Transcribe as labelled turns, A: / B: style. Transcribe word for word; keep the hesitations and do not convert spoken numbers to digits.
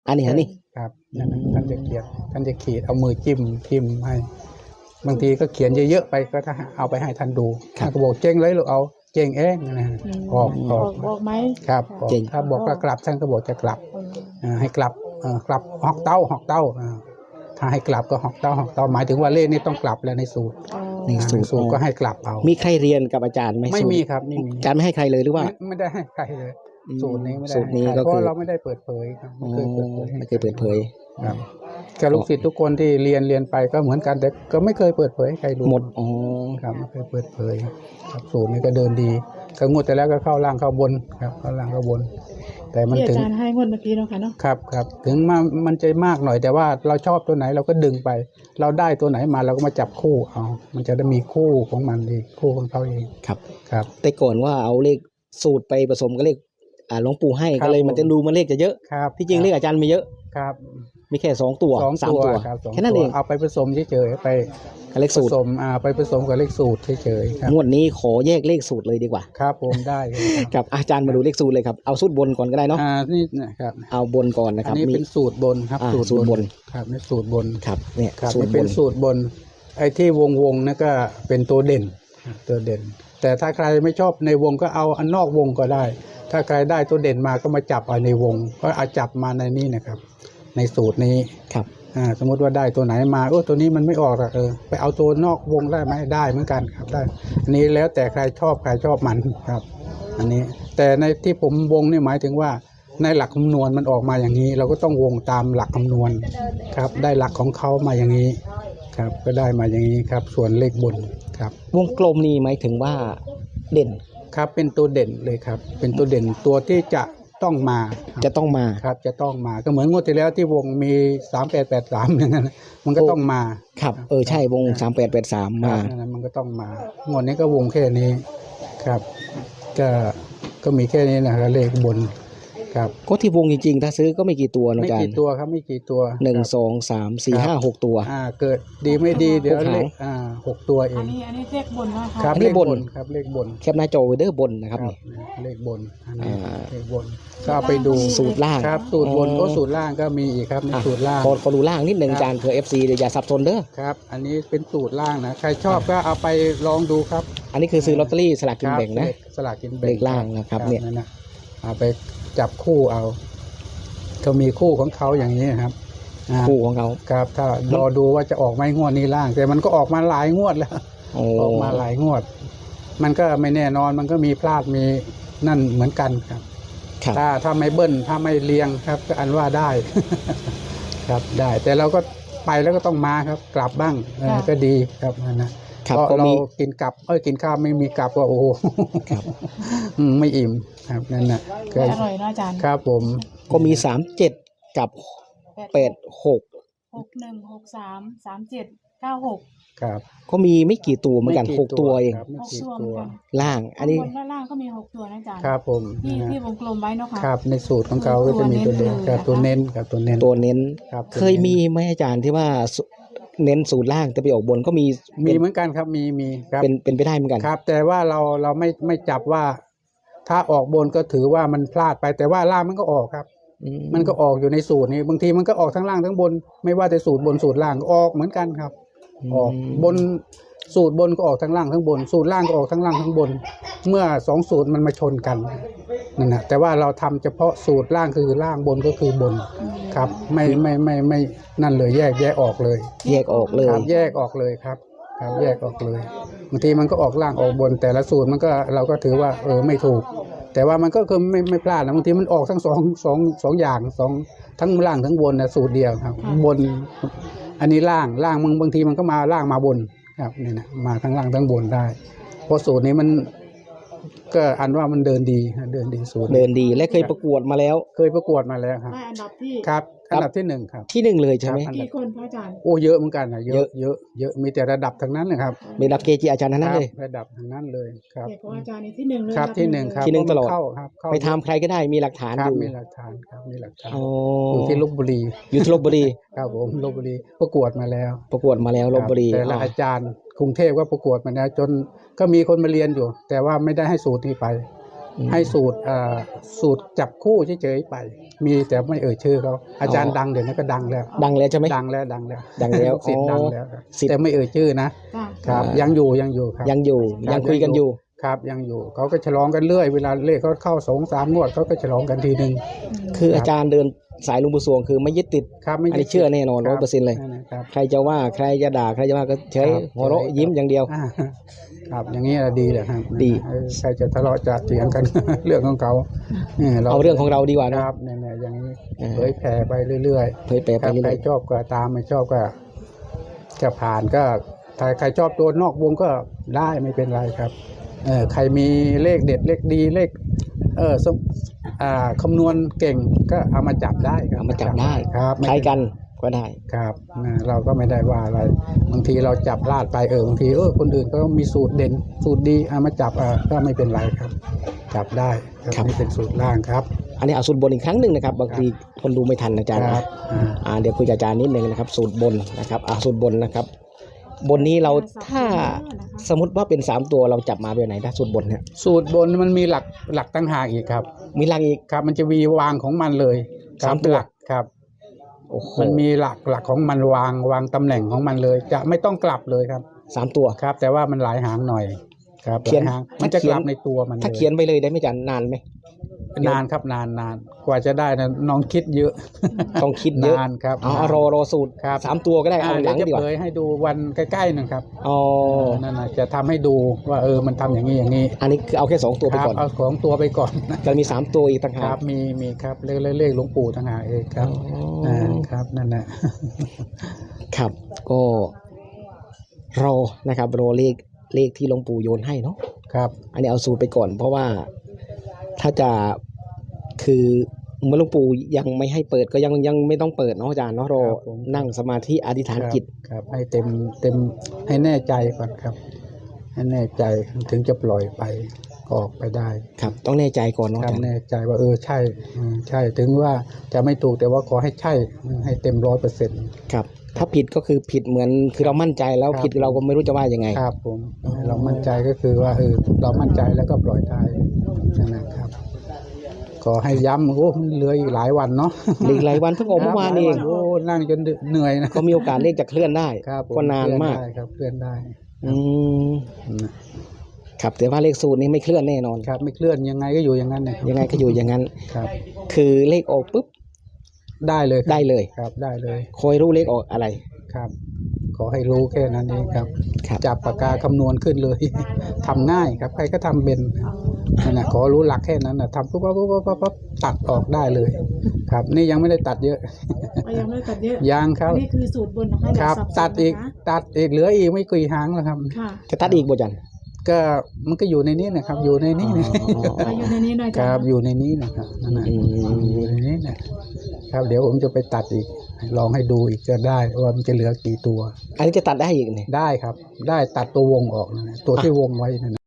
A: อันนี้อันนี้
B: ครับนั่นนะท่านจะเขียนท่านจะขีดเอามือจิ้มจิ้มให้บางทีก็เขียนเยอะๆไปก็ถ้าเอาไปให้ท่านดูท่านก็บอกเจ๊งเลยลูกเอาเจ๊งเองนะออกออก
C: ออกไหม
B: ครับถ้าบอกว่ากลับท่านก็บอกจะกลับให้กลับกลับหอกเต้าหอกเต้าถ้าให้กลับก็หอกเต้าหอกเต้าหมายถึงว่าเลขนี้ต้องกลับแล้วในสูตรในสูตรก็ให้กลับเอา
A: มีใครเรียนกับอาจารย์ไหม
B: ไม่มีครับไม่มี
A: อาจารย์ไม่ให้ใครเลยหรือว่า
B: ไม่ได้ให้ใครเลยสูตรนี้ไม่ได้
A: สูตรนี้ก็
B: เพราะเราไม่ได้เปิดเผยครับไม่เคยเปิดเผย
A: ไม่เคยเปิดเผย
B: ครับแค่ลูกศิษย์ทุกคนที่เรียนเรียนไปก็เหมือนกันแต่ก็ไม่เคยเปิดเผยให้ใครรู้
A: หมดอ๋อ
B: ครับไม่เคยเปิดเผยครับสูตรนี้ก็เดินดีก็งวดแต่แล้วก็เข้าล่างเข้าบนครับเข้าล่างเข้าบนแต่มันถึง
C: อาจารย์ให้งวดเมื่อกี้เนาะค่ะเนาะ
B: ครับครับถึงมามันจะมากหน่อยแต่ว่าเราชอบตัวไหนเราก็ดึงไปเราได้ตัวไหนมาเราก็มาจับคู่เอามันจะได้มีคู่ของมันเองคู่ของเขาเอง
A: ครับ
B: ครับ
A: แต่ก่อนว่าเอาเลขสูตรไปผสมกับเลขอ่าหลวงปู่ให้ก็เลยมันจะดูมันเลขจะเยอะ
B: ครับ
A: ที่จริงเลขอาจารย์มีเยอะ
B: ครับ
A: มีแค่สองตัวสามตัวแค่นั้นเอง
B: เอาไปผสมเฉยๆไป
A: เลขสูตร
B: ผสมอ่าไปผสมกับเลขสูตรเฉยๆ
A: งวดนี้ขอแยกเลขสูตรเลยดีกว่า
B: ครับผมได้
A: ครับอาจารย์มาดูเลขสูตรเลยครับเอาสูตรบนก่อนก็ได้เนาะ
B: อ่านี่นะครับ
A: เอาบนก่อนนะครับ
B: อันนี้เป็นสูตรบนครับ
A: สูตรบน
B: ครับนี่สูตรบน
A: ครับเนี่ย
B: สูตรเป็นสูตรบนไอ้ที่วงวงนั่นก็เป็นตัวเด่นตัวเด่นแต่ถ้าใครไม่ชอบในวงก็เอาอันนอกวงก็ได้ถ้าใครได้ตัวเด่นมาก็มาจับเอาในวงก็เอาจับมาในนี้นะครับในสูตรนี้
A: ครับ
B: อ่าสมมติว่าได้ตัวไหนมาโอ้ตัวนี้มันไม่ออกเออไปเอาตัวนอกวงได้ไหมได้เหมือนกันครับได้อันนี้แล้วแต่ใครชอบใครชอบมันครับอันนี้แต่ในที่ผมวงนี่หมายถึงว่าในหลักคำนวณมันออกมาอย่างนี้เราก็ต้องวงตามหลักคำนวณครับได้หลักของเขามาอย่างนี้ครับก็ได้มาอย่างนี้ครับส่วนเลขบนครับ
A: วงกลมนี้หมายถึงว่าเด่น
B: ครับเป็นตัวเด่นเลยครับเป็นตัวเด่นตัวที่จะต้องมา
A: จะต้องมา
B: ครับจะต้องมาก็เหมือนงวดที่แล้วที่วงมีสามแปดแปดสามอย่างนั้นมันก็ต้องมา
A: ครับเออใช่วงสามแปดแปดสามมา
B: มันก็ต้องมางวดนี้ก็วงแค่นี้ครับก็ก็มีแค่นี้นะครับเลขบนครับ
A: ก็ที่วงจริงๆถ้าซื้อก็ไม่กี่ตัวนะอาจารย์
B: ไม่กี่ตัวครับไม่กี่ตัว
A: หนึ่งสองสามสี่ห้าหกตัว
B: อ่าเกิดดีไม่ดีเดี๋ยวเลขอ่าหกตัวเอง
C: อันนี้อันนี้เลขบนนะคะ
B: ครับเลขบนครับเลขบน
A: แคปหน้าจอไว้เด้อบนนะครับนี่
B: เลขบนอ่าเลขบนก็ไปดู
A: สูตรล่าง
B: ครับสูตรบนก็สูตรล่างก็มีอีกครับในสูตรล่าง
A: ขอขอดูล่างนิดหนึ่งอาจารย์เผื่อ เอฟ ซี เดี๋ยวอย่าสับสนเด้อ
B: ครับอันนี้เป็นสูตรล่างนะใครชอบก็เอาไปลองดูครับ
A: อันนี้คือซื้อลอตเตอรี่สลากกินแบ่งนะ
B: สลากกินแบ่ง
A: เลขล่างนะครับเนี่ย
B: เอาไปจับคู่เอาเขามีคู่ของเขาอย่างนี้ครับ
A: คู่ของเขา
B: ครับถ้ารอดูว่าจะออกไหมงวดนี้ล่างแต่มันก็ออกมาหลายงวดแล้วออกมาหลายงวดมันก็ไม่แน่นอนมันก็มีพลาดมีนั่นเหมือนกันครับถ้าถ้าไม่เบิ้ลถ้าไม่เรียงครับก็อันว่าได้ครับได้แต่เราก็ไปแล้วก็ต้องมาครับกลับบ้างก็ดีครับนะเพราะเรากินกลับเอ้ยกินข้าวไม่มีกลับก็โอ้โหไม่อิ่มครับนั่นน่ะ
C: อร่อยนะอาจารย์
B: ครับผม
A: ก็มีสามเจ็ดกับแปดหก
C: หกหนึ่งหกสามสามเจ็ดเก้าหก
B: ครับ
A: ก็มีไม่กี่ตัวเหมือนกันหกตัวเอง
B: ไม่กี่ตัว
A: ล่างอันนี้
C: บนและล่างก็มีหกตัวนะอาจารย์
B: ครับผม
C: ที่ที่วงกลมไว้เนาะค่ะ
B: ครับในสูตรของเขาก็จะมีตัวเด่นกับตัวเน้นกับตัวเน้น
A: ตัวเน้นเคยมีไหมอาจารย์ที่ว่าเน้นสูตรล่างแต่ไปออกบนก็มี
B: มีเหมือนกันครับมีมีครับ
A: เป็นเป็นไปได้เหมือนกัน
B: ครับแต่ว่าเราเราไม่ไม่จับว่าถ้าออกบนก็ถือว่ามันพลาดไปแต่ว่าล่างมันก็ออกครับมันก็ออกอยู่ในสูตรนี้บางทีมันก็ออกทั้งล่างทั้งบนไม่ว่าแต่สูตรบนสูตรล่างออกเหมือนกันครับออกบนสูตรบนก็ออกทั้งล่างทั้งบนสูตรล่างก็ออกทั้งล่างทั้งบนเมื่อสองสูตรมันมาชนกันนั่นแหละแต่ว่าเราทำเฉพาะสูตรล่างคือล่างบนก็คือบนครับไม่ไม่ไม่ไม่นั่นเลยแยกแยกออกเลย
A: แยกออกเลย
B: ครับแยกออกเลยครับครับแยกออกเลยบางทีมันก็ออกล่างออกบนแต่ละสูตรมันก็เราก็ถือว่าเออไม่ถูกแต่ว่ามันก็คือไม่ไม่พลาดนะบางทีมันออกทั้งสองสองสองอย่างสองทั้งล่างทั้งบนนะสูตรเดียวครับบนอันนี้ล่างล่างบางบางทีมันก็มาล่างมาบนครับนี่นะมาทั้งล่างทั้งบนได้เพราะสูตรนี้มันก็อันว่ามันเดินดีเดินดีสูตร
A: เดินดีและเคยประกวดมาแล้ว
B: เคยประกวดมาแล้วครับ
C: ได้อันดับที่
B: ครับอันดับที่หนึ่งครับ
A: ที่หนึ่งเลยใช่ไหม
C: กี่คนพระอาจารย์
B: โอ้เยอะเหมือนกันนะเยอะเยอะเยอะมีแต่ระดับทั้งนั้นเลยครับ
A: มีระดับเกจิอาจารย์ทั้งนั้นเลย
B: ระดับทั้งนั้นเลยครับ
C: เกจิอาจารย์นี่ที่หนึ่งเลย
B: ครับที่หนึ่งครับ
A: ที่หนึ่งตลอด
B: เข้าครับ
A: ไปทำใครก็ได้มีหลักฐานอยู่
B: มีหลักฐานครับมีหลักฐานอยู่ที่ลพบุรี
A: อยู่ที่ลพบุรี
B: ครับผมลพบุรีประกวดมาแล้ว
A: ประกวดมาแล้วลพบุรี
B: แต่ละอาจารย์กรุงเทพก็ประกวดมาแล้วจนก็มีคนมาเรียนอยู่แต่ว่าไม่ได้ให้สูตรนี้ไป
A: อืม
B: ให้สูตรเอ่อสูตรจับคู่เฉยๆไป มีแต่ไม่เอ่ยชื่อเขาอาจารย์ดังเดี๋ยวนี้ก็ดังแล้ว
A: ดังแล้วใช่ไหม
B: ดังแล้วดังแล้ว
A: ดังแล้ว
B: สิทธิ์
A: อ๋อ
B: ดังแล้วครับ
A: ศิษย์
B: แต่ไม่เอ่ยชื่อนะ
C: จ้ะ
B: ครับ
A: อ่ายั
B: ยังอยู่ยังอยู่ครับ
A: ยังอยู่
B: ครับ
A: ยังคุยกันอยู่
B: ครับยังอยู่เขาก็ฉลองกันเรื่อยเวลาเลขเขาเข้าสองสามงวดเขาก็ฉลองกันทีหนึ่ง
A: คือ
B: ครับ
A: อาจารย์เดินสายหลุงปู่สวงคือไม่ยึดติด
B: ครับไม่
A: อันนี้เชื่อแน่นอน
B: ค
A: ร้
B: บ
A: อยเปอร์เซ็นต์เลย
B: นั่นนะครับ
A: ใครจะว่าใครจะด่าใครจะว่าก็เฉย
B: ครับ
A: หัวเราะ
B: เฉย
A: ยิ้มอย่างเดียว
B: อ่าครับอย่างนี้ดีแหละครับ
A: ดี
B: เออใครจะทะเลาะจะเถียงกัน เรื่องของเขานี่ย
A: เอาเรื่องของเราดีกว่า
B: ค
A: เนอะ
B: รับเนี่ยๆอย่างนี้
A: อ่า
B: เผยแผ่ไปเรื่อย
A: เผยแผ่
B: ๆ
A: ไป
B: ครับ
A: เรื่
B: ใคร
A: อย
B: ชอบก็ตามไม่ชอบก็จะผ่านก็ถ้าใครชอบตัวนอกวงก็ได้ไม่เป็นไรครับเออใครมีเลขเด็ดเลขดีเลขเออสมอ่าคำนวณเก่งก็เอามาจับได้ค
A: ๆ
B: รับ
A: เอามาจับได้
B: ครับ
A: ใช้กันก็ได้
B: ครับนะเราก็ไม่ได้ว่าอะไร บางทีเราจับพลาดไปเออบางทีเออคนอื่นก็มีสูตรเด่น สูตรดีเอามาจับอ่าก็ไม่เป็นไรครับ จับได้ครับ
A: ครับ
B: นี่เป็นสูตรล่างครับ
A: อันนี้เอาสูตรบนอีกครั้งหนึ่งนะครับบางทีคนดูไม่ทันอาจารย์
B: ค
A: นะ
B: รับอ่า
A: อ่าเดี๋ยวคุยกับอาจารย์นิดนึงนะครับ สูตรบนนะครับอ่าสูตรบนนะครับ บนนี้เราถ้าสมมติว่าเป็นสามตัวเราจับมาแบบไหนถ้าสูตรบนเนี่ย
B: สูตรบนมันมีหลักหลักตั้งหากอีกครับ
A: มีหลักอีก
B: ครับ มันจะมีวางของมันเลยครับ
A: สามตัว
B: หลักครับ
A: โอ้โห
B: มันมีหลักหลักของมันวางวางตำแหน่งของมันเลย จะไม่ต้องกลับเลยครับ
A: สามตัว
B: ครับ แต่ว่ามันหลายหางหน่อย ครับ
A: เขียน
B: หลาหางมันจะ
A: ถ้าเขี
B: ก
A: ยน
B: ลับในตัวมันล
A: ถ้าเขียนไปเลยได้ไหมอาจารย์นานไหม
B: นานครับนานนานกว่าจะได้นะน้องคิดเยอะ
A: ต้องคิดเยอะ
B: นานครับ
A: เอาเอารอรอสูตร
B: ครับ
A: สามตัวก็ได้เอา
B: อ่า
A: หลัง
B: เดี๋ยว
A: ดี
B: จะ
A: กว่า
B: เผยให้ดูวันใกล้ๆนะครับ
A: อ๋อ
B: นั่นนะจะทำให้ดูว่าเออมันทำอย่างนี้อย่างนี้
A: อันนี้คือเอาแค่สองตัวไป
B: ครับ
A: ก่อน
B: เอาของตัวไปก่อนนะ
A: จะมีสามตัวอีกต่าง
B: ค
A: หา
B: รั
A: ก
B: บมีมีครับเลขเลขเลขหลวงปู่ต่างหากเองครับ
A: อ๋ออ่
B: าครับนั่นแหละ
A: ครับก็รอนะครับรอเลขเลขที่หลวงปู่โยนให้เนาะ
B: ครับ
A: อันนี้เอาสูตรไปก่อน เพราะว่าถ้าจะคือเมื่อหลวงปู่ยังไม่ให้เปิดก็ยังยังไม่ต้องเปิดเนาะอาจารย์เนาะรอนั่งสมาธิอธิษฐานจิต
B: ครับให้เต็มเต็มให้แน่ใจก่อนครับ ให้แน่ใจถึงจะปล่อยไปออกไปได้
A: ครับ ต้องแน่ใจก่อนเนาะ
B: ค
A: อา
B: รับ
A: จารย์
B: แน่ใจว่าเออใช่อืมใช่ถึงว่าจะไม่ถูกแต่ว่าขอให้ใช่อืมให้เต็มร้อยเปอร์เซ็นต์
A: ครับ ถ้าผิดก็คือผิดเหมือนคือเรามั่นใจแล้ว
B: ครับ
A: ผิดเราก็ไม่รู้จะว่ายังไง
B: ครับผมเรามั่นใจก็คือว่าเออเรามั่นใจแล้วก็ปล่อยได้นั่นนะครับ ขอให้ย้ำโอ้มันเหลืออีกหลายวันเนาะ
A: หลีกหลายวันเพิ่งออกเมื่อวานเอง
B: โอ้นั่งจนเหนื่อยนะ
A: ก็มีโอกาสเลขจะเคลื่อนได้
B: ครับผม
A: ก็นานมาก
B: เคลื่อนได้ครับเคลื่อนได้
A: อืม
B: นะ
A: ครับแต่ว่าเลขสูตรนี้ไม่เคลื่อนแน่นอน
B: ครับไม่เคลื่อนยังไงก็อยู่อย่างนั้นเนี่ย
A: ยังไงก็อยู่อย่างนั้น
B: ครับ
A: คือเลขออกปุ๊บ
B: ได้เลยครับ
A: ได้เลย
B: ครับได้เลย
A: คอยรู้เลขออกอะไร
B: ครับ ขอให้รู้แค่นั้นเองครับ
A: ครับ
B: จับปากกาคำนวณขึ้นเลย ทำง่ายครับใครก็ทำเป็นนั่นนะขอรู้หลักแค่นั้นนะทำปุ๊บปุ๊บปุ๊บปุ๊บปุ๊บตัดออกได้เลย ครับ นี่ยังไม่ได้ตัดเยอะ
C: ก็ยังไม่ได้ตัดเยอะ
B: ยังครับ
C: นี่คือสูตรบนนะคะ
B: ครับ
C: อย่าสับสน
B: ตัดอีก
C: นะคะ
B: ตัดอีกเหลืออีกไม่กี่หางแล้วครับ
C: ค่ะ
A: จะตัดอีกบ่จัน
B: ก็มันก็อยู่ในนี้นะครับ อยู่ในนี้นะ
C: มาอยู่ในนี้หน่อย
B: ค
C: จ้ะ
B: รับอยู่ในนี้นะครับนั่นนะ
A: อืม
B: อยู่ในนี้นะครับเดี๋ยวผมจะไปตัดอีก ลองให้ดูอีกจะได้ว่ามันจะเหลือกี่ตัว
A: อันนี้จะตัดได้อีกเนี่ย
B: ได้ครับ ได้ตัดตัววงออกนะตัวที่วงไว้นั่นนะ